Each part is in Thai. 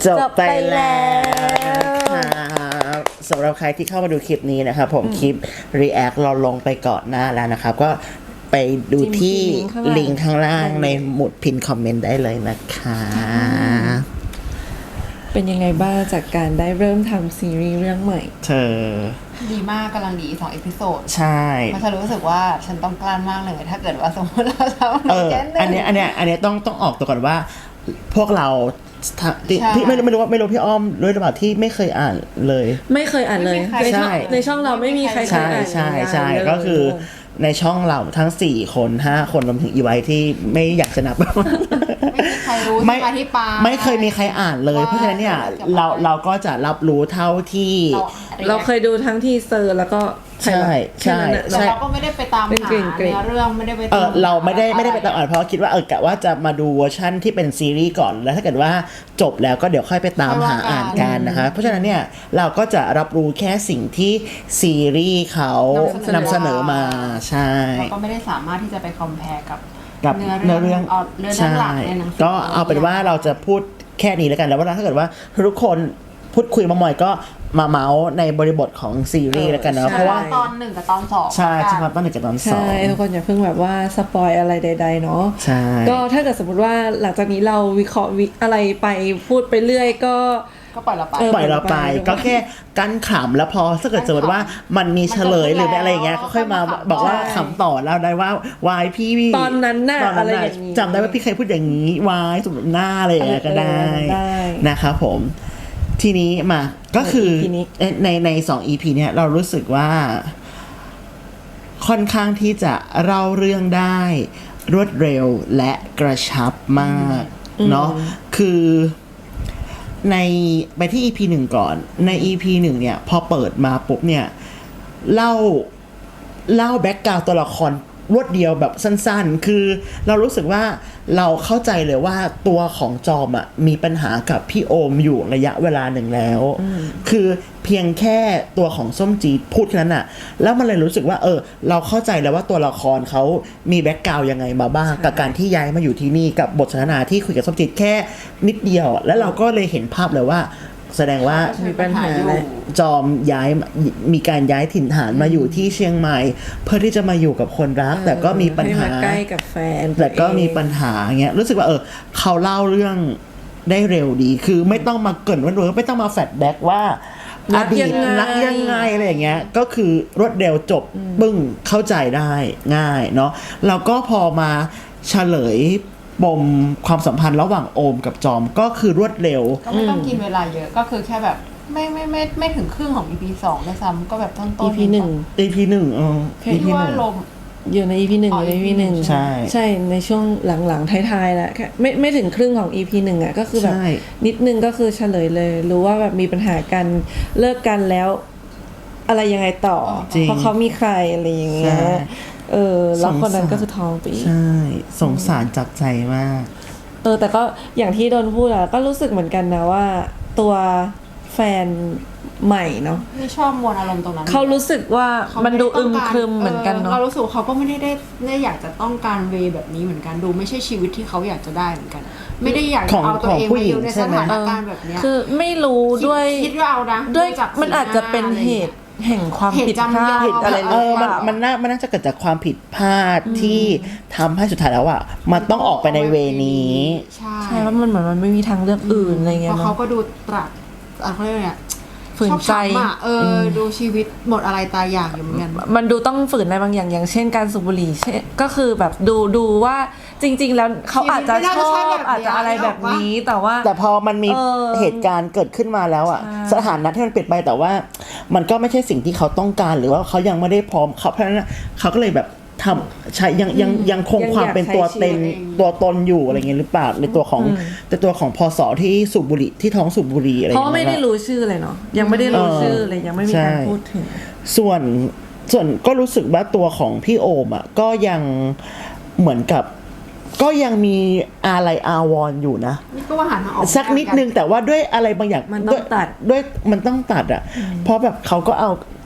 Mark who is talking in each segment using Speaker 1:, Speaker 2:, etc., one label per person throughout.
Speaker 1: จบไปแล้วครับสำหรับใครที่เข้ามาดูคลิปนี้นะครับผมคลิป React เราลงไปก่อนหน้าแล้วนะครับก็ไปดูที่ลิงก์ข้างล่างในหมุดพินคอมเมนต์ได้เลยนะคะ
Speaker 2: เป็นยังไงบ้างจากการได้เริ่มทำซีรีส์เรื่องใหม่
Speaker 1: เธอ
Speaker 3: ดีมากกำลังดี2 เอพิโซด
Speaker 1: ใช่
Speaker 3: มันจะรู้สึกว่าฉันต้องกลั้นมากเลยถ้าเกิดว่าสมมติเราทำ
Speaker 1: อันนี้ต้องออกตัวก่อนว่าพวกเราพี่ไม่รู้พี่อ้อมด้วยหรือเปล่าที่ไม่เคยอ่านเลย
Speaker 2: ไม่เคยอ่านเลยในช่องเราไม่มีใครเคยอ่าน
Speaker 1: ใช่ก็คือในช่องเราทั้ง4คน5คนรวมถึงอีไว้ที่ไม่อยากจะนับ
Speaker 3: ไม่มีใครรู้ที่มาที่ไป
Speaker 1: ไม่เคยมีใครอ่านเลยเพราะฉะนั้นเนี่ยเราก็จะรับรู้เท่าที่
Speaker 2: เราเคยดูทั้งที่เซอร์แล้วก็
Speaker 1: ใช่
Speaker 3: เราก็ไม่ได้ไปตามหาเนื้อเรื่องไม่ได้ไป
Speaker 1: เราไม่ได้ไปตามอ่านเพราะคิดว่ากะว่าจะมาดูเวอร์ชั่นที่เป็นซีรีส์ก่อนแล้วถ้าเกิดว่าจบแล้วก็เดี๋ยวค่อยไปตามหาอ่านกันนะคะเพราะฉะนั้นเนี่ยเราก็จะรับรู้แค่สิ่งที่ซีรีส์เขานำเสนอมาใช่
Speaker 3: เราก็ไม่ได้สามารถที่จะไปคอมเพลกับ
Speaker 1: เนื้อเรื่อง
Speaker 3: หลักในหนังสือ
Speaker 1: ก็เอาเป็นว่าเราจะพูดแค่นี้แล้วกันแล้วว่าถ้าเกิดว่าทุกคนพูดคุยมาหม่อยก็มาเมาส์ในบริบทของซีรีส์แล้วกันนะเพราะว่า
Speaker 3: ตอน1กับตอน2
Speaker 1: ใช่เฉพาะตอน1กับตอน2
Speaker 2: ใช่ทุกคนอย่าเพิ่งแบบว่าสปอยอะไรใดๆเนาะ
Speaker 1: ใช่
Speaker 2: ก็ถ้าเกิดสมมติว่าหลังจากนี้เราวิเคราะห์อะไรไปพูดไปเรื่อยก็
Speaker 3: ปล่อย
Speaker 1: เราไปก็แค่กั้นขำแล้วพอถ้าเกิดสมมติว่ามันมีเฉลยหรืออะไรอย่างเงี้ยก็ค่อยมาบอกว่าขำต่อแล้วได้ว่าวายพี่
Speaker 2: ตอนนั้นน่ะอะไรอย่างนี้
Speaker 1: จำได้ว่าพี่เคยพูดอย่างนี้วายสมมติหน้าอะไรอย่างเงี้ยก็ได้นะครับผมทีนี้มาก็คือใน2 EP เนี่ยเรารู้สึกว่าค่อนข้างที่จะเล่าเรื่องได้รวดเร็วและกระชับมากเนาะคือในไปที่ EP 1 ก่อนใน EP 1เนี่ยพอเปิดมาปุ๊บเนี่ยเล่าแบ็คกราวด์ตัวละครรวดเดียวแบบสั้นๆคือเรารู้สึกว่าเราเข้าใจเลยว่าตัวของจอมอ่ะมีปัญหากับพี่โอมอยู่ระยะเวลาหนึ่งแล้วคือเพียงแค่ตัวของส้มจีดพูดแค่นั้นอ่ะแล้วมันเลยรู้สึกว่าเราเข้าใจแล้วว่าตัวละครเขามีแบ็คกราวด์ยังไงมาบ้างกับการที่ย้ายมาอยู่ที่นี่กับบทสนทนาที่คุยกับส้มจีดแค่นิดเดียวแล้วเราก็เลยเห็นภาพเลยว่าแสดงว่า
Speaker 2: มีปัญหา
Speaker 1: จอมมีการย้ายถิ่นฐานมาอยู่ที่เชียงใหม่เพื่อที่จะมาอยู่กับคนรักแต่ก็มีปัญหา
Speaker 2: ใกล้กับแฟน
Speaker 1: แต่ก็มีปัญหาเงี้ยรู้สึกว่าเขาเล่าเรื่องได้เร็วดีคือไม่ต้องมาเกริ่นว่าไม่ต้องมาแฟลชแบ็กว่าอดีตรักยังไงอะไรอย่างเงี้ยก็คือรวดเร็วจบปึ้งเข้าใจได้ง่ายเนาะแล้วก็พอมาเฉลยปมความสัมพันธ์ระหว่างโอมกับจอมก็คือรวดเร็ว
Speaker 3: ก็ไม่ต้องกินเวลาเยอะก็คือแค่แบบไม่ถึงครึ่งของ EP 2ด้วยซ้ำก็แบบต้นๆ
Speaker 2: EP 1
Speaker 1: EP 1
Speaker 3: EP ว่าลม
Speaker 2: อยู่ใน EP 1อยู่ใน EP 1ใช่ในช่วงหลังๆท้ายๆแล้วไม่ถึงครึ่งของ EP 1อ่ะก็คือแบบนิดนึงก็คือเฉลยเลยรู้ว่าแบบมีปัญหากันเลิกกันแล้วอะไรยังไงต่อเพราะเขามีใครอะไรอย่างเงี้ยแล้วคนนั้นก็คือทองปี
Speaker 1: ใช่สงสารจับใจมาก
Speaker 2: แต่ก็อย่างที่โดนพูดอะก็รู้สึกเหมือนกันนะว่าตัวแฟนใหม่เนาะ
Speaker 3: ไม่ชอบมวลอารมณ์ตรงนั้น
Speaker 2: เขารู้สึกว่ามันดูอึมครึมเหมือนกันเนาะ
Speaker 3: เรารู้สึกเขาก็ไม่ได้อยากจะต้องการเวแบบนี้เหมือนกันดูไม่ใช่ชีวิตที่เขาอยากจะได้เหมือนกันไม่ได้อยากเอาตัวเองมาอยู่ในสถานการณ์แบบนี้
Speaker 2: คือไม่รู้ด้วย
Speaker 3: คิดว่าเอานะ
Speaker 2: ด้วยมันอาจจะเป็นเหตุแห่งความผิดพลาดอะไร
Speaker 1: มันน่าจะเกิดจากความผิดพลาดที่ทำให้สุดท้ายแล้วอ่ะมันต้องออกไปในเวนี้
Speaker 2: ใช่ว่ามันเหมือนมันไม่มีทางเลือกอื่นอะไรเงี้ย
Speaker 3: เพราะเขาก็ดูตรัสเขาเรียกอะไร
Speaker 2: ฝืนใจ
Speaker 3: ดูชีวิตหมดอะไรตายอยากอยู่เหมือนกัน
Speaker 2: มันดูต้องฝืนในบางอย่างเช่นการสูบบุหรี่ก็คือแบบดูว่าจริงๆแล้วเขาอาจจะชอบอาจจะอะไรแบบนี้แต่
Speaker 1: พอมันมีเหตุการณ์เกิดขึ้นมาแล้วอ่ะสถานะที่มันเปลี่ยนไปแต่ว่ามันก็ไม่ใช่สิ่งที่เขาต้องการหรือว่าเขายังไม่ได้พร้อมเพราะฉะนั้นเขาก็เลยแบบทำใช้ยังคงความเป็นตัวตนอยู่อะไรเงี้ยหรือเปล่าในตัวของพศที่สูบบุหรี่ที่ท้องสูบบุหรี่อะไร
Speaker 2: เพราะไม่ได้รู้ชื่อเลยเนาะยังไม่ได้รู้ชื่อเลยยังไม่มีการพูดถึง
Speaker 1: ส่วนก็รู้สึกว่าตัวของพี่โอมอ่ะก็ยังเหมือนกับก็ยังมีอะไรอาวรณ์อยู่นะ
Speaker 3: ก็ว่าหันมาออก
Speaker 1: สักนิดนึงแต่ว่าด้วยอะไรบางอย่าง
Speaker 2: มันต้องตัด
Speaker 1: ด้วยมันต้องตัดอ่ะเพราะแบบเขาก็เอา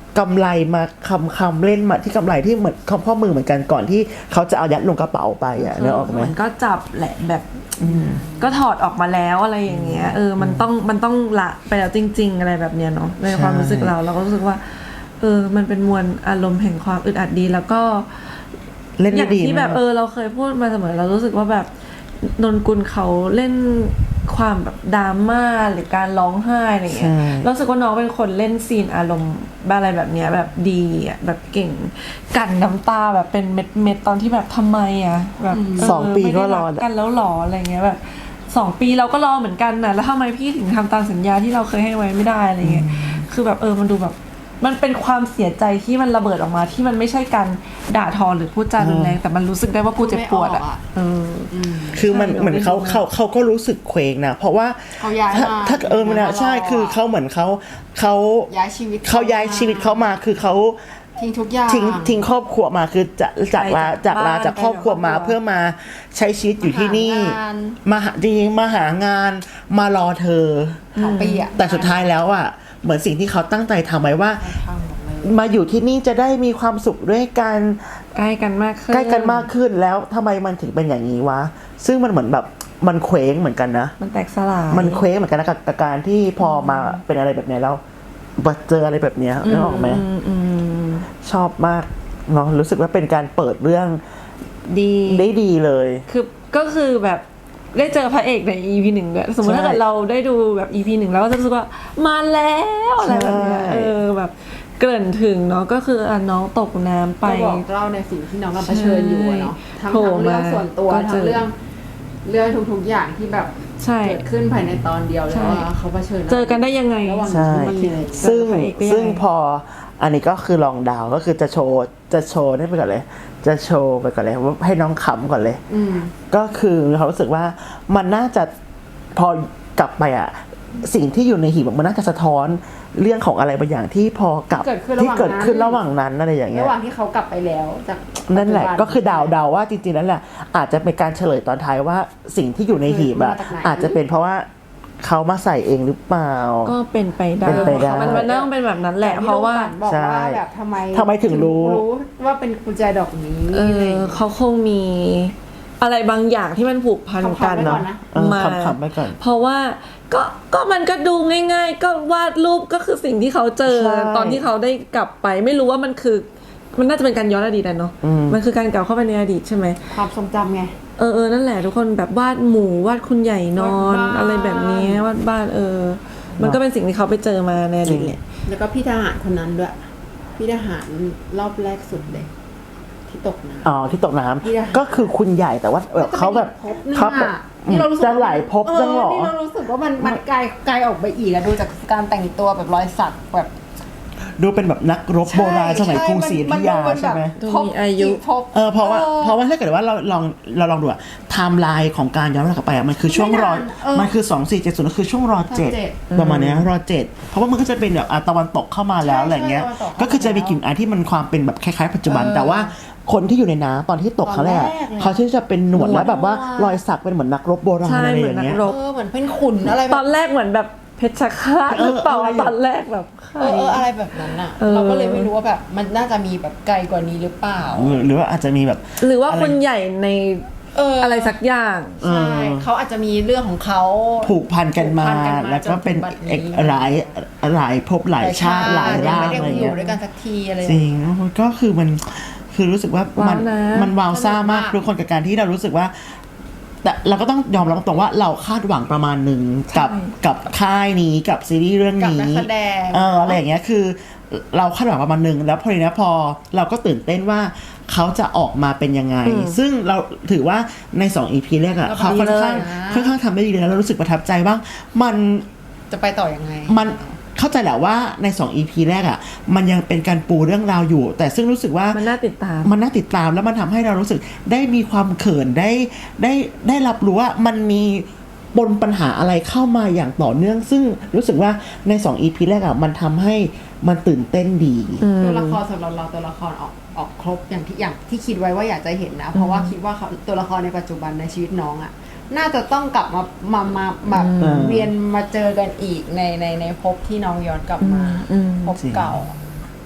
Speaker 1: กำไรมาคำเล่นมาที่กำไรที่เหมือนข้อมือเหมือนกันก่อนที่เขาจะเอายัดลงกระเป๋าไปอ่ะนึกออกไหม
Speaker 2: มันก็จับแหละแบบก็ถอดออกมาแล้วอะไรอย่างเงี้ยมันต้องละไปแล้วจริงๆอะไรแบบเนี้ยเนาะในความรู้สึกเราก็รู้สึกว่ามันเป็นมวลอารมณ์แห่งความอึดอัดดีแล้วก็
Speaker 1: เล่น
Speaker 2: อย่างที่แบบเราเคยพูดมาเสมอเรารู้สึกว่าแบบนนกุลเขาเล่นความแบบดราม่าหรือการร้องไห้อะไรเงี้ยรู้สึกว่าน้องเป็นคนเล่นซีนอารมณ์อะไรแบบเนี้ยแบบดีอ่ะแบบเก่งกันน้ำตาแบบเป็นเม็ดตอนที่แบบทำไมอ่ะแบบ
Speaker 1: 2 ปีก็รอ
Speaker 2: กันแล้วหรออะไรเงี้ยแบบ2 ปีเราก็รอเหมือนกันน่ะแล้วทำไมพี่ถึงทำตามสัญญาที่เราเคยให้ไว้ไม่ได้อะไรเงี้ยคือแบบมันดูแบบมันเป็นความเสียใจที่มันระเบิดออกมาที่มันไม่ใช่การด่าทอหรือพูดจารุนแรงแต่มันรู้สึกได้ว่ากูเจ็บปวดอ่ะ
Speaker 1: คือมันเหมือนเขาก็รู้สึกเคว้งนะเพราะว่า
Speaker 3: เขาย้ายมา
Speaker 1: ถ้ามันใช่คือเขาเหมือนเขา
Speaker 3: ย้ายชีวิต
Speaker 1: เขามาคือเขา
Speaker 3: ทิ้งทุกอย่าง
Speaker 1: ทิ้งครอบครัวมาคือจากลาจากครอบครัวมาเพื่อมาใช้ชีวิตอยู่ที่นี่มาหางานมารอเธอ
Speaker 3: 2 ปีอ่ะ
Speaker 1: แต่สุดท้ายแล้วอ่ะเหมือนสิ่งที่เขาตั้งใจทำไว้ว่ามาอยู่ที่นี่จะได้มีความสุขด้วยกัน
Speaker 2: ใกล้กันมาก
Speaker 1: ขึ้นแล้วทำไมมันถึงเป็นอย่างนี้วะซึ่งมันเหมือนแบบมันเคว้งเหมือนกันนะ
Speaker 2: มันแตกสลาย
Speaker 1: มันเคว้งเหมือนกันนะกับการที่พอมาเป็นอะไรแบบนี้แล้วเจออะไรแบบนี้นึกออกไหมชอบมากเนาะรู้สึกว่าเป็นการเปิดเรื่องได้ดีเลย
Speaker 2: ก็คือแบบได้เจอพระเอกใน EP 1ด้วยสมมติถ้าเกิดเราได้ดูแบบ EP 1แล้วก็จะรู้สึกว่ามาแล้วอะไรแบบเนี้ยแบบเกริ่นถึงเนาะก็คือน้องตกน้ำไป
Speaker 3: บอกเล่าในสิ่งที่น้องกำลังเผชิญอยู่เนาะทั้งเรื่องส่วนตัวทั้งเรื่องทุกๆอย่างที่แบบเกิดขึ้นภายในตอนเดียวแล้วเขาเผชิญ
Speaker 2: เจอกันได้ยังไง
Speaker 1: ใช่ซึ่งพออันนี้ก็คือลองดาวก็คือจะโชว์ได้ไปก่อนเลยจะโชว์ไปก่อนเลยว่าให้น้องขำก่อนเลยก็คือเขารู้สึกว่ามันน่าจะพอกลับไปอ่ะสิ่งที่อยู่ในหีบมันน่าจะสะท้อนเรื่องของอะไรบางอย่างที่พอกลับที่เกิดขึ้นระหว่างนั้นอะไรอย่างเงี้ย
Speaker 3: ระหว่างที่เขากลับไปแล้วจาก
Speaker 1: นั่นแหละก็คือดาวว่าจริงๆนั่นแหละอาจจะเป็นการเฉลยตอนท้ายว่าสิ่งที่อยู่ในหีบอ่ะอาจจะเป็นเพราะว่าเขามาใส่เองหรือเปล่า
Speaker 2: ก็เป็นไปได้มันน่าเป็นแบบนั้นแหละเพราะว่า
Speaker 3: บอกว่าแบบทำไม
Speaker 1: ถึงรู้
Speaker 3: ว่าเป็นกุญแจดอกนี้
Speaker 2: เขาคงมีอะไรบางอย่างที่มันผูกพันกันเนาะ
Speaker 1: มาไปก่อน
Speaker 2: เพราะว่าก็มันก็ดูง่ายๆก็วาดรูปก็คือสิ่งที่เขาเจอตอนที่เขาได้กลับไปไม่รู้ว่ามันน่าจะเป็นการย้อนอดีตเนาะมันคือการกลับเข้าไปในอดีตใช่ไหม
Speaker 3: ความทรงจำไง
Speaker 2: นั่นแหละทุกคนแบบวาดหมู่วาดคุณใหญ่นอนอะไรแบบนี้วาดบ้านมันก็เป็นสิ่งที่เขาไปเจอมาในอดีต
Speaker 3: แล้วก็พี่ทหารคนนั้นด้วยพี่ทหารรอบแรกสุดเลยที่ตกน้ำ
Speaker 1: ที่ตกน้ำก็คือคุณใหญ่แต่ว่าเขาแบบ
Speaker 3: นี่เรารู้สึก
Speaker 1: จะหลายภพจังหรอ
Speaker 3: นี่เรารู้สึกว่ามันไกลออกไปอีกอะดูจากการแต่งตัวแบบรอยสักแบบ
Speaker 1: ดูเป็นแบบนักรบโบราณสมัยกรุงศรีอยุธยาใช่ไหม
Speaker 2: มีอายุ
Speaker 1: เพราะว่าถ้าเกิดว่าเราลองดูอะไทม์ไลน์ของการย้อนกลับไปอะมันคือช่วงมันคือ2470ก็คือช่วงร.7ประมาณนี้ร.7เพราะว่ามันก็จะเป็นแบบตะวันตกเข้ามาแล้วอะไรเงี้ยก็คือจะมีกลิ่นอายที่มันความเป็นแบบคล้ายๆปัจจุบันแต่ว่าคนที่อยู่ในน้ำตอนที่ตกเขาแรกเขาที่จะเป็นหนวดแล้วแบบว่ารอยสักเป็นเหมือนนักรบโบราณอะไรอย่างเงี้ย
Speaker 3: เหมือนเป็นขุนอะไร
Speaker 2: ตอนแรกเหมือนแบบเพชรฆาตหรือเปล่าตอนแรกแบบ
Speaker 3: อะไรแบบนั้นอ่ะเราก็เลยไม่รู้ว่าแบบมันน่าจะมีแบบไกลกว่านี้หรือเปล่า
Speaker 1: หรือว่าอาจจะมีแบบ
Speaker 2: หรือว่าคนใหญ่ในอะไรสักอย่าง
Speaker 3: ใช่เขาอาจจะมีเรื่องของเขา
Speaker 1: ผูกพันกันมาแล้วก็เป็นหลายภพหลายชาติหลายร่างอะไรอย่างเงี้ย
Speaker 3: อยู่ด้วยกันสักทีอะไร
Speaker 1: จริงก็คือมันคือรู้สึกว่ามันว้าวซ่ามากทุกคนกับการที่เรารู้สึกว่าแต่เราก็ต้องยอมรับตรงว่าเราคาดหวังประมาณหนึ่งกับค่ายนี้กับซีรีส์เรื่องนี้อะไรอย่างเงี้ยคือเราคาดหวังประมาณหนึ่งแล้วพอดีนะพอเราก็ตื่นเต้นว่าเขาจะออกมาเป็นยังไงซึ่งเราถือว่าใน2 EP แรกอะเขาค่อนข้างทำได้ดีเลยแล้วเรารู้สึกประทับใจบ้างมัน
Speaker 3: จะไปต่อยังไง
Speaker 1: มันเข้าใจแหละว่าใน2 EP แรกอ่ะมันยังเป็นการปูเรื่องราวอยู่แต่ซึ่งรู้สึกว่า
Speaker 2: มันน่าติดตาม
Speaker 1: แล้วมันทำให้เรารู้สึกได้มีความเขินได้รับรู้ว่ามันมีปนปัญหาอะไรเข้ามาอย่างต่อเนื่องซึ่งรู้สึกว่าใน2 EP แรกอ่ะมันทำให้มันตื่นเต้นดี
Speaker 3: ตัวละครสำหรับเราตัวละครออกครบอย่างที่คิดไว้ว่าอยากจะเห็นนะเพราะว่าคิดว่าตัวละครในปัจจุบันในชีวิตน้องอ่ะน่าจะต้องกลับมาแบบเวียนมาเจอกันอีกในภพที่น้องย้อนกลับมาภพเก่า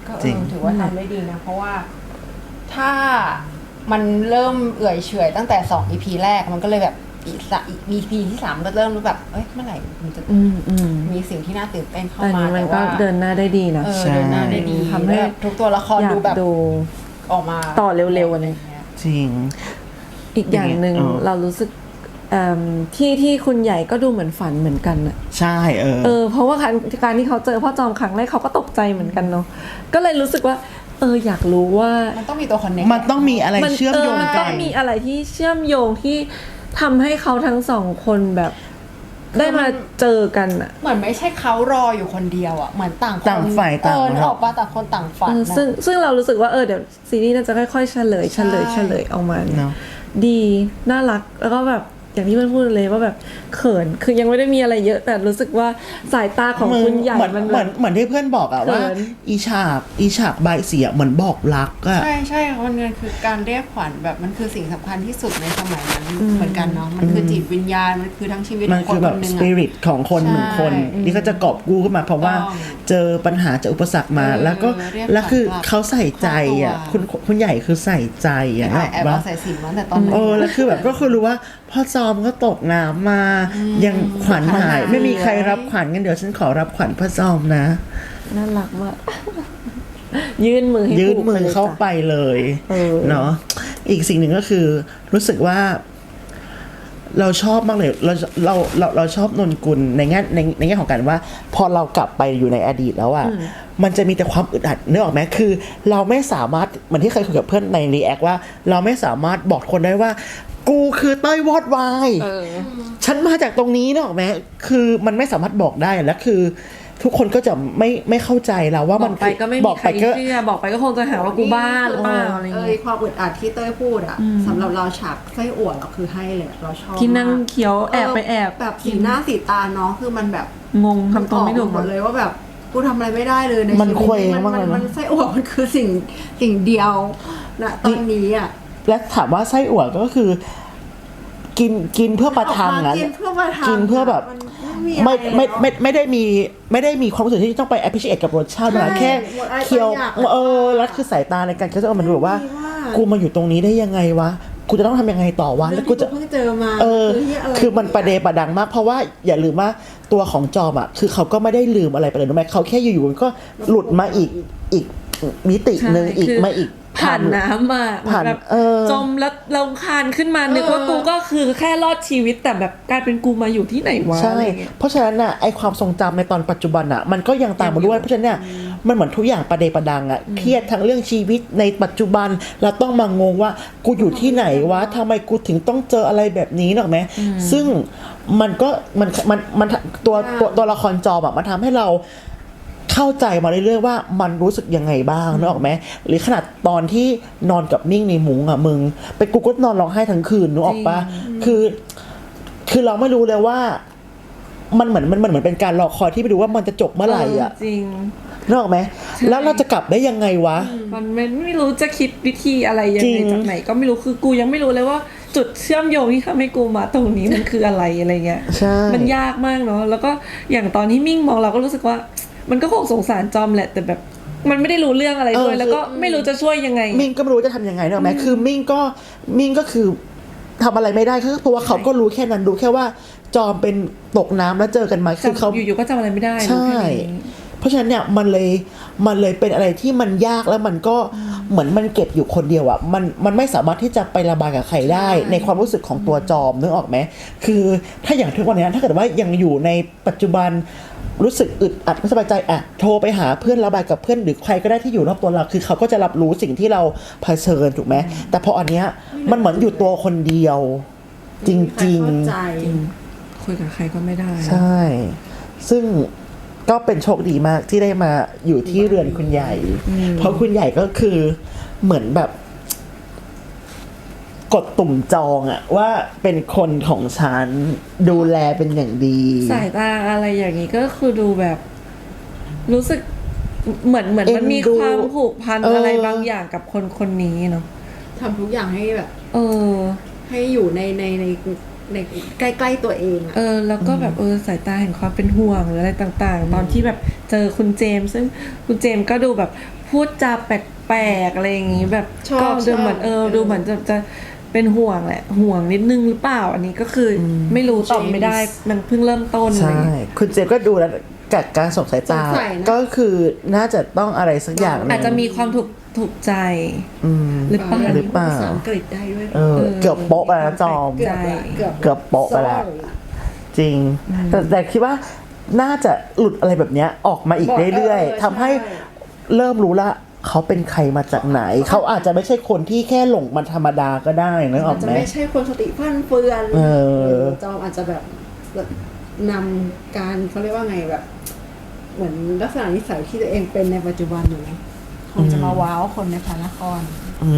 Speaker 3: ก็
Speaker 1: จริง
Speaker 3: ถือว่าทำได้ดีนะเพราะว่าถ้ามันเริ่มเอื่อยเฉอยตั้งแต่2 EP แรกมันก็เลยแบบอีก EP ที่3ก็เริ่มรู้แบบเอ้ยเมื่อไหร่มันจะมีสิ่งที่น่าตื่นเต้นเข้า
Speaker 2: แต่
Speaker 3: มา
Speaker 2: นี้มันก็
Speaker 3: ว่า
Speaker 2: เดินหน้าได้ดีนะ
Speaker 3: เดินหน้าได้ดี
Speaker 2: ทำให้
Speaker 3: แบบทุกตัวละคร
Speaker 2: อยาก
Speaker 3: ดูแบบ
Speaker 2: ดู
Speaker 3: ออกมา
Speaker 2: ต่อเร็วๆอะไร
Speaker 1: จริง
Speaker 2: อีกอย่างหนึ่ง
Speaker 1: อ๋อ
Speaker 2: เรารู้สึกที่คุณใหญ่ก็ดูเหมือนฝันเหมือนกันอะ
Speaker 1: ใช่
Speaker 2: เพราะว่าการที่เขาเจอพ่อจอมครั้งแรกเขาก็ตกใจเหมือนกันเนาะก็เลยรู้สึกว่าอยากรู้ว่า
Speaker 3: มันต้องมีตัวคอนเนค
Speaker 1: มันต้องมีอะไรเชื่อมโยง
Speaker 2: มัน
Speaker 1: กั
Speaker 2: ต้อน งมีอะไรที่เชื่อมโยงที่ทำให้เขาทั้งสองคนแบบได้มาเจอกันอะ
Speaker 3: เหมือนไม่ใช่เขารออยู่คนเดียวอ่ะเหมือนต่างคน
Speaker 1: ต่างฝ่ายต่าง
Speaker 3: ออกมาต่างคนต่างฝันนะ
Speaker 2: ซึ่งเรารู้สึกว่าเดี๋ยวซีรีส์น่าจะค่อยๆเฉลยออกมา
Speaker 1: เนาะ
Speaker 2: ดีน่ารักแล้วก็แบบอย่างที่มันพูดเลยว่าแบบเขินคือยังไม่ได้มีอะไรเยอะแต่รู้สึกว่าสายตาของคุณใหญ่
Speaker 1: เหมือน
Speaker 2: มัน
Speaker 1: เหมือนที่เพื่อนบอกอะว่า
Speaker 2: เขิน
Speaker 1: อีฉากใบเสียเหมือนบอกรักอะ
Speaker 3: ใช่ค่ะมันคือการเรียกขวัญแบบมันคือสิ่งสำคัญที่สุดในสมัยนั้นเหมือนกันเนาะมันคือจิตวิญญาณมันคือทั้งชีวิต
Speaker 1: มัน
Speaker 3: ของค
Speaker 1: คื
Speaker 3: น
Speaker 1: อแบ
Speaker 3: ค
Speaker 1: บ
Speaker 3: นหนึ่
Speaker 1: ส
Speaker 3: ง
Speaker 1: ปิ
Speaker 3: อะ
Speaker 1: ริตของคนหนึ่งคน
Speaker 3: ใช่
Speaker 1: ที่เขาจะกอบกู้ขึ้นมาเพราะว่า
Speaker 3: ต้อง
Speaker 1: เจอปัญหาเจออุปสรรคมา แล้วก็
Speaker 3: เรียก
Speaker 1: แล้วคือ
Speaker 3: ขวัญกลับ
Speaker 1: เขาใส่ใจอะ
Speaker 3: ครอบครัว
Speaker 1: คุณใหญ่คือใส่ใจอะ
Speaker 3: แอบเอาใส่สินมาตั้งแต่ตอนนั้น
Speaker 1: แล้วคือแบบก็คือรู้ว่าพ่อจอมก็ตกน้ำมายังขวัญหายไม่มีใครรับขวัญกันเดี๋ยวฉันขอรับขวัญพ่อจอมนะ
Speaker 2: น่ารักมาก ยื่นมือให้
Speaker 1: ยื่นมือ
Speaker 2: ผูก
Speaker 1: เข้า
Speaker 2: ไป
Speaker 1: ไปเลย
Speaker 2: เออ
Speaker 1: เนาะอีกสิ่งหนึ่งก็คือรู้สึกว่า เราชอบมากเลยเราชอบนนกุลในแง่ของการว่า พอเรากลับไปอยู่ในอดีตแล้วอ่ะมันจะมีแต่ความอึดอัดนึกออกไหมคือ เราไม่สามารถเหมือนที่เคยคุยกับเพื่อนในรีแอคว่า เราไม่สามารถบอกคนได้ว่า กูคือเต้ยวอดวายฉันมาจากตรงนี้นึกออกไหมคือมันไม่สามารถบอกได้และคือ ทุกคนก็จะไม่เข้าใจเราว่า
Speaker 2: บ
Speaker 1: มั
Speaker 2: อน กไปก็ไม่มีใครเชื่อบอกไปก็คงจะหาว่ากูบ้าหรือเปล่าอะไรเงี้ย
Speaker 3: ความอึดอัดที่เต้ยพูดอะสำหรับเราฉากไส้อั่วเราคือให้เลยเราชอบ
Speaker 2: ที่นั่ง
Speaker 3: มาก
Speaker 2: เคี้ยวแอบไปแอบ
Speaker 3: แบบสีหน้าสีตาน้องคือมันแบบ
Speaker 2: งงทำตัวไม่ถูก
Speaker 3: หมดเลยว่าแบบกูทำอะไรไม่ได้เลยใน
Speaker 1: มัน
Speaker 3: ชีวิต
Speaker 1: เคว้งมากเลยนะ
Speaker 3: มันไส้อั่วมันคือสิ่งเดียวนะตอนนี้อะ
Speaker 1: และถามว่าไส้อั่วก็คือ กินเพื่อประทังนะ
Speaker 3: กินเพื่อประทัง
Speaker 1: กินเพื่อแบบ
Speaker 3: มัน
Speaker 1: ไม่ได้มีความรู้สึกที่ต้องไป appreciate กับรสชาติมันแค่เคี้ยวแล้วคือสายตาในการเคี้ยวมันรู้ว่ากูมาอยู่ตรงนี้ได้ยังไงวะกูจะต้องทำยังไงต่อวะแล้วกูจะ
Speaker 3: เพิ่งเจอมา
Speaker 1: คือมันประเดประดังมากเพราะว่าอย่าลืมว่าตัวของจอมอ่ะคือเขาก็ไม่ได้ลืมอะไรไปเลยรู้ไหมเขาแค่อยู่ๆก็หลุดมาอีกมิติหนึ่ง
Speaker 2: ใช่
Speaker 1: อีก
Speaker 2: คือ
Speaker 1: มาอีก
Speaker 2: ผ่านน้ำมา
Speaker 1: ผ่าน
Speaker 2: แบบ
Speaker 1: จ
Speaker 2: จมแล้วเราคานขึ้นมานึกว่ากูก็คือแค่รอดชีวิตแต่แบบกลายเป็นกูมาอยู่ที่ไหนวะ
Speaker 1: ใช่
Speaker 2: อะไรเงี้ย
Speaker 1: เพราะฉะนั้นน่ะไอความทรงจำในตอนปัจจุบันน่ะมันก็ยังตามมาด้วยเพราะฉะนั้นเนี่ยมันเหมือนทุกอย่างประเดประดังอ่ะเครียดทั้งเรื่องชีวิตในปัจจุบันเราต้องมางงว่ากูอยู่ที่ไหนวะทำไมกูถึงต้องเจออะไรแบบนี้หรอกไหมซึ่งมันก็มันตัวละครจอมอ่ะมันทำให้เราเข้าใจมาเรื่อยๆว่ามันรู้สึกยังไงบ้างนึกออกไหมหรือขนาดตอนที่นอนกับนิ่งในมุ้งอ่ะมึงเป็นกูก็นอนร้องไห้ทั้งคืนนึกออกปะคือเราไม่รู้เลยว่ามันเหมือนเป็นการรอคอยที่ไปดูว่ามันจะจบเมื่อไหร่อ่ะ
Speaker 2: จริง
Speaker 1: นึกออกไหมแล้วเราจะกลับได้ยังไงวะ
Speaker 2: มันไม่รู้จะคิดวิธีอะไรยัง
Speaker 1: จริ
Speaker 2: ไง
Speaker 1: ง
Speaker 2: จากไหนก็ไม่รู้คือกูยังไม่รู้เลยว่าจุดเชื่อมโยงที่ทำให้กูมาตรงนี้มันคืออะไรอะไรเงี้ย
Speaker 1: ใช่
Speaker 2: มันยากมากเนาะแล้วก็อย่างตอนที่มิ่งมองเราก็รู้สึกว่ามันก็คงสงสารจอมแหละแต่แบบมันไม่ได้รู้เรื่องอะไรด้วยแล้วก็ไม่รู้จะช่วยยังไง
Speaker 1: มิ่งก็ไม่รู้จะทำยังไงนึกออกไหมคือมิ่งก็คือทำอะไรไม่ได้เพราะว่าเขาก็รู้แค่นั้นรู้แค่ว่าจอมเป็นตกน้ำแล้วเจอกันมาคือเขา
Speaker 2: อยู่ๆก็จำอะไรไม่ได้
Speaker 1: ใช่
Speaker 2: รู้แค่นี้
Speaker 1: เพราะฉะนั้นเนี่ยมันเลยเป็นอะไรที่มันยากแล้วมันก็เหมือนมันเก็บอยู่คนเดียวอ่ะมันไม่สามารถที่จะไประบายกับใครได้ในความรู้สึกของตัวจอมนึกออกไหมคือถ้าอย่างทุกวันนี้ถ้าเกิดว่ายังอยู่ในปัจจุบันรู้สึกอึดอัดไม่สบายใจอ่ะโทรไปหาเพื่อนระบายกับเพื่อนหรือใครก็ได้ที่อยู่รอบตัวเราคือเขาก็จะรับรู้สิ่งที่เราเผชิญถูกไหมแต่พออันเนี้ยมันเหมือนอยู่ตัวคนเดียว จริง
Speaker 3: เข้าใจ
Speaker 2: คุยกับใครก็ไม่ได้
Speaker 1: ๆ ใช่ ซึ่งก็เป็นโชคดีมากที่ได้มาอยู่ที่เรือนคุณใหญ่ เพราะคุณใหญ่ก็คือเหมือนแบบ กดตุ่มจองอะว่าเป็นคนของฉันดูแลเป็นอย่างดี
Speaker 2: สายตาอะไรอย่างนี้ก็คือดูแบบ รู้สึกเหมือนมันมีความผูกพันอะไรบางอย่างกับคนนี้เนาะ
Speaker 3: ทำทุกอย่างให้แบบ
Speaker 2: อ
Speaker 3: ให้อยู่ในใกล้ๆตัวเองอะ
Speaker 2: แล้วก็แบบสายตาแห่งความเป็นห่วงหรืออะไรต่างๆ ตอนที่แบบเจอคุณเจมส์ซึ่งคุณเจมส์ก็ดูแบบพูดจาแปลกๆอะไรอย่างงี้แบบก็ดูเหมือนดูเหมือนจะเป็นห่วงแหละห่วงนิดนึงหรือเปล่าอันนี้ก็คือไม่รู้ตอบไม่ได้มันเพิ่งเริ่มต้นอะไร
Speaker 1: ใช่คุณเจมส์ก็ดูแล้วจากการส่งสายตาก็คือน่าจะต้องอะไรสักอย่าง
Speaker 2: อาจจะมีความถูกใจหรือเปล่า
Speaker 1: หรือเปล่า
Speaker 3: ภาษาอังกฤษได้ด้วย
Speaker 1: เกือบโป๊ะไปแล้วจอมเกือบโป๊ะไปแล้วจริงแต่คิดว่าน่าจะหลุดอะไรแบบนี้ออกมาอีกเรื่อยๆทำให้เริ่มรู้ละเขาเป็นใครมาจากไหนเขาอาจจะไม่ใช่คนที่แค่หลงมันธรรมดาก็ได้นะออกไหม
Speaker 3: อาจจะไม่ใช่คนสติฟั่นเฟือนจอมอาจจะแบบนำการเขาเรียกว่าไงแบบเหมือนลักษณะนิสัยที่ตัวเองเป็นในปัจจุบันอยู่นะคงจะมาว้าวคนในพระนคร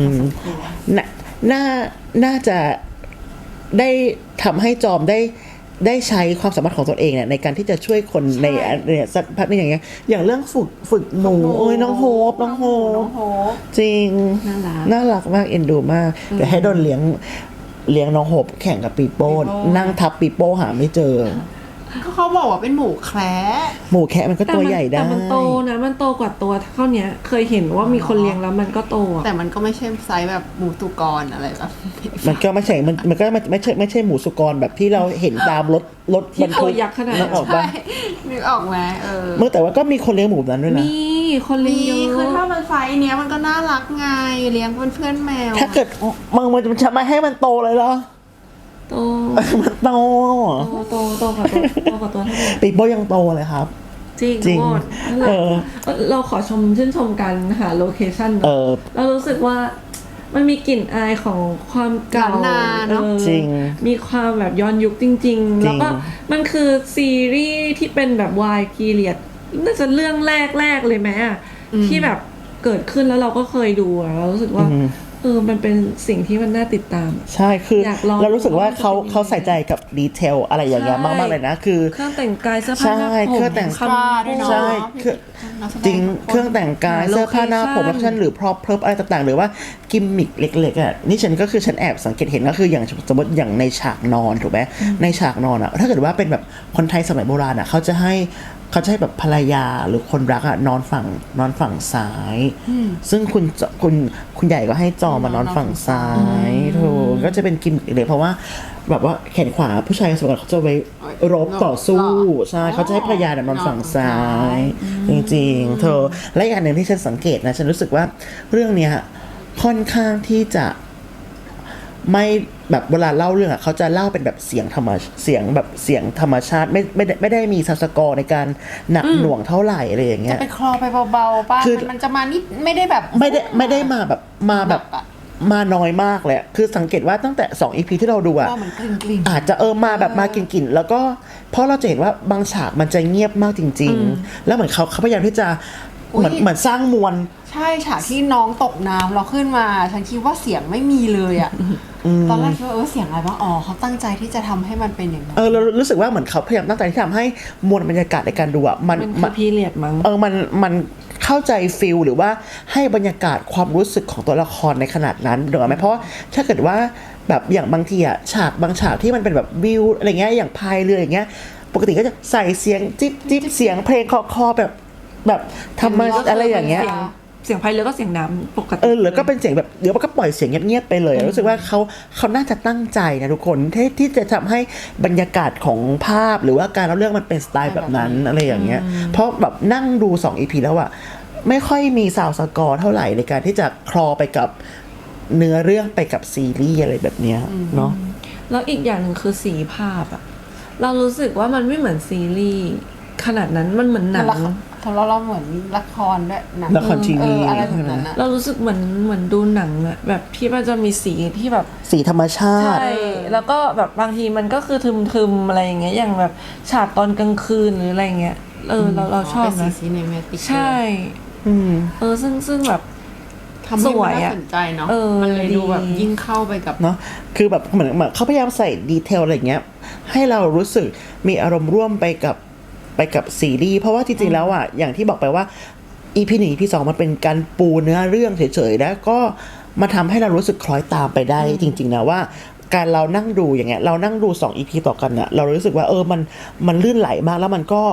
Speaker 1: น่าจะได้ทำให้จอมได้ใช้ความสามารถของตัวเองเนี่ยในการที่จะช่วยคนในเนี่ยสักพักนึงอย่างเงี้ยอย่างเรื่องฝึกหนูโอ้ยน้องโฮปจริงน่ารักมากเอ็นดูมากแต่ให้โดนเลี้ยงน้องโฮปแข่งกับปีโป้นั่งทับปีโป้หาไม่เจอ
Speaker 3: เขาบอกว่าเป็นหมูแคระ
Speaker 1: มันก็ตัวใหญ่ได้
Speaker 2: แต่มันโตนะมันโตกว่าตัวเท่านี้เคยเห็นว่ามีคนเลี้ยงแล้วมันก็โต
Speaker 3: แต่มันก็ไม่ใช่ไซส์แบบหมูสุกรอะไรแบบ
Speaker 1: มันก็ไม่ใช่มันก็ไม่ใช่หมูสุกรแบบที่เราเห็นตามรถบรรทุก
Speaker 2: ยักษ์ขนาด
Speaker 3: นั้นออกป่ะนึกออกไหม
Speaker 1: เมื่อแต่ว่าก็มีคนเลี้ยงหมูแบบนั้นด้วยนะ
Speaker 2: มีคนเลี้ยงเยอะ
Speaker 3: คือถ้ามันไซส์เนี้ยมันก็น่ารักไงเลี้ยงเพื่อนแมว
Speaker 1: ถ้าเกิดมันจะไม่ให้มันโตเลยเหรอ
Speaker 2: โต
Speaker 1: มันโต
Speaker 2: กว่าตัวเท่าไหร่
Speaker 1: ปีโป้ยังโตเลยครับ
Speaker 2: จริงเราขอชื่นชมกันหาโลเคชั่นเรารู้สึกว่ามันมีกลิ่นอายของความเก่า
Speaker 3: เนาะ
Speaker 1: จริง
Speaker 2: มีความแบบย้อนยุคจริงๆแล้วก็มันคือซีรีส์ที่เป็นแบบวายพีเรียดน่าจะเรื่องแรกเลยไหมที่แบบเกิดขึ้นแล้วเราก็เคยดูเรารู้สึกว่ามันเป็นสิ่งที่มันน่าติดตาม
Speaker 1: ใช่คือเรารู้สึกว่าเขาใส่ใจกับดีเทลอะไรอย่างเงี้ยมากๆเลยนะคือ
Speaker 2: เครื่องแต่งกายเสื้อผ้าหน้าผม
Speaker 1: เครื่องแต่ง
Speaker 3: ผ้าด้วยเนาะ
Speaker 1: ใช่จริงเครื่องแต่งกายเสื้อผ้าหน้าผมแล้วฉันหรือพร็อพเพิร์อะไรต่างๆหรือว่ากิมมิคเล็กๆอ่ะนี่ฉันก็คือฉันแอบสังเกตเห็นก็คืออย่างสมมติอย่างในฉากนอนถูกไหมในฉากนอนอ่ะถ้าเกิดว่าเป็นแบบคนไทยสมัยโบราณอ่ะเขาจะให้แบบภรรยาหรือคนรักอะนอนฝั่งซ้ายซึ่งคุณใหญ่ก็ให้จอมานอนฝั่งซ้ายถูกก็จะเป็นกิมมิคเลยเพราะว่าแบบว่าแขนขวาผู้ชายสมัยก่อนเขาจะไว้รบต่อสู้ใช่เขาจะให้ภรรยานอนฝั่งซ้ายจริงๆเธอและอีกอันหนึ่งที่ฉันสังเกตนะฉันรู้สึกว่าเรื่องเนี้ยค่อนข้างที่จะไม่แบบเวลาเล่าเรื่องอ่ะเขาจะเล่าเป็นแบบเสียงธรรมชาติไม่ได้มีซับสกอร์ในการหนักหน่วงเท่าไหร่อะไรอย่างเงี้ย
Speaker 3: จะไปคลอไปเบาๆป่ะมันจะมานิดไม่ได้แบบ
Speaker 1: ไม่ได้มาแบบมาน้อยมากเลยคือสังเกตว่าตั้งแต่2 EP ที่เราดูอ่ะอาจจะมาแบบมากลิ่นแล้วก็เพราะเราจะเห็นว่าบางฉากมันจะเงียบมากจริงๆแล้วเหมือนเขาพยายามที่จะเหมือนสร้างมวล
Speaker 3: ใช่ฉากที่น้องตกน้ำเราขึ้นมาฉันคิดว่าเสียงไม่มีเลยอ่ะตอนแรกคิดว่าเสียงอะไรบ้างเขาตั้งใจที่จะทำให้มันเป็นอย่างนั้น
Speaker 1: เรารู้สึกว่าเหมือนเขาพยายามตั้งใจที่ทำให้มวลบรรยากาศในการดูอ่ะ
Speaker 2: มันพีเรียดมั้ง
Speaker 1: มันเข้าใจฟีลหรือว่าให้บรรยากาศความรู้สึกของตัวละครในขนาดนั้นถูกไหมเพราะถ้าเกิดว่าแบบอย่างบางทีอ่ะบางฉากที่มันเป็นแบบวิวอะไรเงี้ยอย่างพายเรืออย่างเงี้ยปกติก็จะใส่เสียงจิ๊บเสียงเพลงคอแบบทำมาอะไรอย่างเงี้ย
Speaker 2: เสียงพายเรือก็เสียงน้ำปกติ
Speaker 1: หรือก็เป็นเสียงแบบเดี๋ยวก็ปล่อยเสียงเงียบๆไปเลยรู้สึกว่าเขาน่าจะตั้งใจนะทุกคนที่จะทำให้บรรยากาศของภาพหรือว่าการเล่าเรื่องมันเป็นสไตล์แบบนั้นอะไรอย่างเงี้ยเพราะแบบนั่งดู2 EP แล้วอะไม่ค่อยมีซาวด์สกอร์เท่าไหร่ในการที่จะคลอไปกับเนื้อเรื่องไปกับซีรีส์อะไรแบบเนี้ยเนาะ
Speaker 2: แล้วอีกอย่างหนึ่งคือสีภาพอะเรารู้สึกว่ามันไม่เหมือนซีรีส์ขนาดนั้นมันเหมือนหนัง
Speaker 3: เราเหมือนละครด้วยหนัง
Speaker 1: ละครทีวี
Speaker 3: อะไรแบบนั้น
Speaker 2: เรารู้สึกเหมือนดูหนังอะแบบที่มันจะมีสีที่แบบ
Speaker 1: สีธรรมชาติ
Speaker 2: ใช่แล้วก็แบบบางทีมันก็คือทึมๆอะไรอย่างเงี้ยอย่างแบบฉากตอนกลางคืนหรืออะไรเงี้ยเราชอบนะ
Speaker 3: ซีเนมาติก
Speaker 2: ใช่ซึ่งแบบ
Speaker 3: ทำให้มันน่าสนใจเนาะมันเลยดูแบบยิ่งเข้าไปกับ
Speaker 1: เนาะคือแบบเหมือนเขาพยายามใส่ดีเทลอะไรเงี้ยให้เรารู้สึกมีอารมณ์ร่วมไปกับซีรีส์เพราะว่าจริงๆแล้วอ่ะอย่างที่บอกไปว่า EP 1 EP 2มันเป็นการปูเนื้อเรื่องเฉยๆแล้วก็มาทำให้เรารู้สึกคล้อยตามไปได้จริงๆนะว่าการเรานั่งดูอย่างเงี้ยเรานั่งดู2 EP ต่อกันน่ะเรารู้สึกว่ามันลื่นไหลมากแล้วมันก็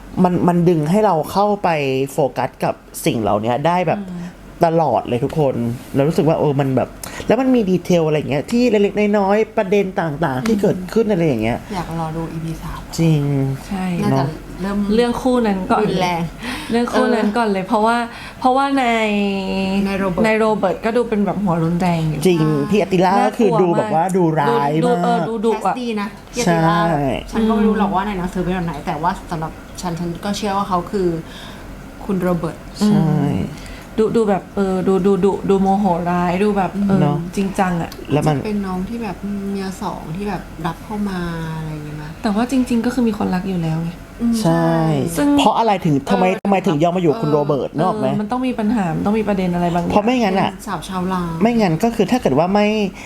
Speaker 1: มันดึงให้เราเข้าไปโฟกัสกับสิ่งเหล่านี้ได้แบบตลอดเลยทุกคนเรารู้สึกว่ามันแบบแล้วมันมีดีเทลอะไรอย่างเงี้ยที่เล็กๆน้อยๆประเด็นต่างๆที่เกิดขึ้นอะไรอย่างเงี้ย
Speaker 3: อยากรอดู EP 3
Speaker 1: จริง
Speaker 2: ใช่
Speaker 3: น่าจะเริ่ม
Speaker 2: เรื่องคู่นั้นก่อน
Speaker 3: รุนแรง
Speaker 2: เรื่องคู่นั้นก่อนเลยเพราะว่าในโรเบิร์ตก็ดูเป็นแบบหัวรุนแรงอยู่
Speaker 1: จริงพี่อติล่าก็คือดูแบบว่าดูร้ายมาก
Speaker 2: ดู
Speaker 3: แคสดีนะพี่อติล่าฉันก็ไม่รู้หรอกว่าในหนังสือเป็นแบบไหนแต่ว่าสำหรับฉันก็เชื่อว่าเขาคือคุณโรเบิร์ต
Speaker 1: ใช่
Speaker 2: ดูแบบดูโมโหร้ายดูแบบจริงจังอ่ะ
Speaker 3: แล้วมันเป็นน้องที่แบบเมียสองที่แบบรับเข้ามาอะไรอย่างเงี้ยนะ
Speaker 2: แต่ว่าจริงๆก็คือมีคนรักอยู่แล้วไง
Speaker 1: ใช่เพราะอะไรถึงทำไมถึงยอมมาอยู่คุณโรเบิร์ตนึกออกไหม
Speaker 2: มันต้องมีปัญหามันต้องมีประเด็นอะไรบางอย่าง
Speaker 1: เพราะไม่งั้นอ่ะ
Speaker 3: สาวชาวลาว
Speaker 1: ไม่งั้นก็คือถ้าเกิดว่า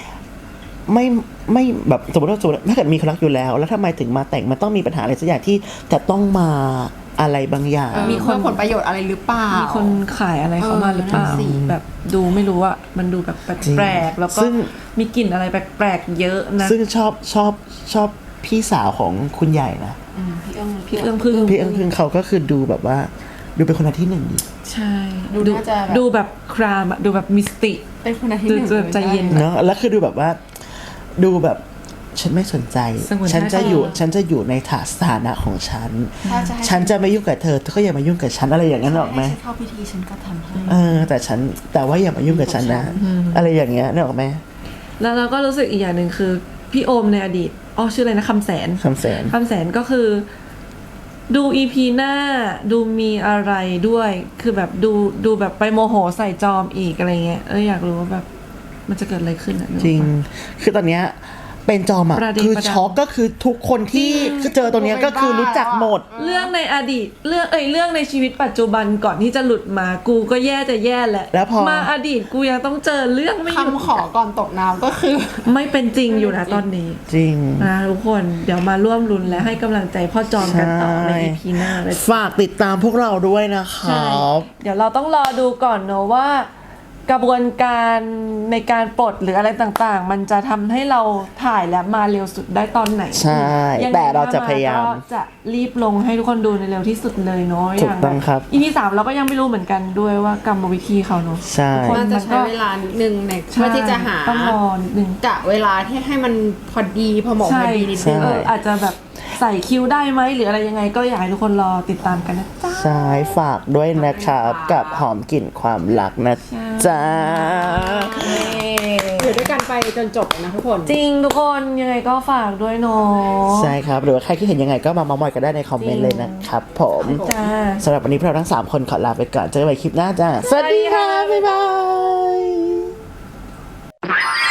Speaker 1: ไม่แบบสมมติถ้าเกิดมีคนรักอยู่แล้วทำไมถึงมาแต่งมันต้องมีปัญหาอะไรสักอย่างที่จะต้องมาอะไรบางอย่าง
Speaker 3: มีคนผลประโยชน์อะไรหรือเปล่ามี
Speaker 2: คนขายอะไรเข้ามาหรือเปล่าแบบดูไม่รู้อะมันดูแบบแปลกๆแล้วก็มีกลิ่นอะไรแปลกๆเยอะนะ
Speaker 1: ซึ่งชอบพี่สาวของคุณใหญ่นะ
Speaker 2: พี่เอื้องพึ่ง
Speaker 1: เขาก็คือดูแบบว่าดูเป็นคนที่หนึ่งดี
Speaker 2: ใช่ดูแบบครามอะดูแบบมิสติ
Speaker 3: เป็นคนที่หนึ่ง
Speaker 2: ใจเย็น
Speaker 1: เนาะแล้วคือดูแบบว่าดูแบบฉันไม่สนใจฉันจะอยู่ในสถานะของฉันจะไม่ยุ่งกับเธอก็อย่ามายุ่งกับฉันอะไรอย่างนั้นหรอกไหม
Speaker 3: เข้าพิธีฉันก็ทำให้
Speaker 1: แต่ว่าอย่ามายุ่งกับฉันนะอะไรอย่างเงี้ยนึกออกไหม
Speaker 2: แล้วเราก็รู้สึกอีกอย่างหนึ่งคือพี่โอมในอดีตชื่ออะไรนะคำแสนก็คือดูอีพีหน้าดูมีอะไรด้วยคือแบบดูแบบไปโมโหใส่จอมอีกอะไรเงี้ยอยากรู้ว่าแบบมันจะเกิดอะไรขึ้นอ่ะ
Speaker 1: จริงคือตอนเนี้ยเป็นจอมอ่ะคือช็อกก็คือทุกคนที่เจอตรงนี้ก็คือรู้จักหมด
Speaker 2: เรื่องในอดีตเรื่องในชีวิตปัจจุบันก่อนที่จะหลุดมากูก็แย่แหละ
Speaker 1: แล้วพอ
Speaker 2: มาอดีตกูยังต้องเจอเรื่องไม่
Speaker 3: คำขอก่อนตกน้ำก็คือ
Speaker 2: ไม่เป็นจริงอยู่นะตอนนี้
Speaker 1: จริง
Speaker 2: นะทุกคนเดี๋ยวมาร่วมลุ้นและให้กำลังใจพ่อจอมกันต่อใน EP หน้าเลย
Speaker 1: ฝากติดตามพวกเราด้วยนะครับ
Speaker 2: เดี๋ยวเราต้องรอดูก่อนเนอะว่ากระบวนการในการปลดหรืออะไรต่างๆมันจะทำให้เราถ่ายและมาเร็วสุดได้ตอนไหน
Speaker 1: ใช่แต่เราจะพยายาม
Speaker 2: จะรีบลงให้ทุกคนดูในเร็วที่สุดเลยเนาะ
Speaker 1: ถูกต้องครับ
Speaker 2: EP 3เราก็ยังไม่รู้เหมือนกันด้วยว่ากรรมวิธีเขาเนาะ
Speaker 1: ใช่
Speaker 3: มันจะใช้เวลานิดนึงในเพื่อที่จะหา
Speaker 2: ต้องรอนิดนึง
Speaker 3: กะเวลาที่ให้มันพอดีพอเหมาะพอดีนิดนึง
Speaker 2: อาจจะแบบใส่คิวได้ไหมหรืออะไรยังไงก็อยากให้ทุกคนรอติดตามกันนะจ๊ะ
Speaker 1: ใช่ฝากด้วยนะครับกับหอมกลิ่นความรักนะจ๊ะ
Speaker 3: อยู่ด้วยกันไปจนจบนะทุกคน
Speaker 2: จริงทุกคนยังไงก็ฝากด้วยเนาะ
Speaker 1: ใช่ครับหรือว่าใครที่เห็นยังไงก็มาเม้าท์มอยกันได้ในคอมเมนต์เลยนะครับผมสำหรับวันนี้พวกเราทั้ง3คนขอลาไปก่อนเจอกันใหม่คลิปหน้าจ้าสวัสดีค่ะบ๊ายบาย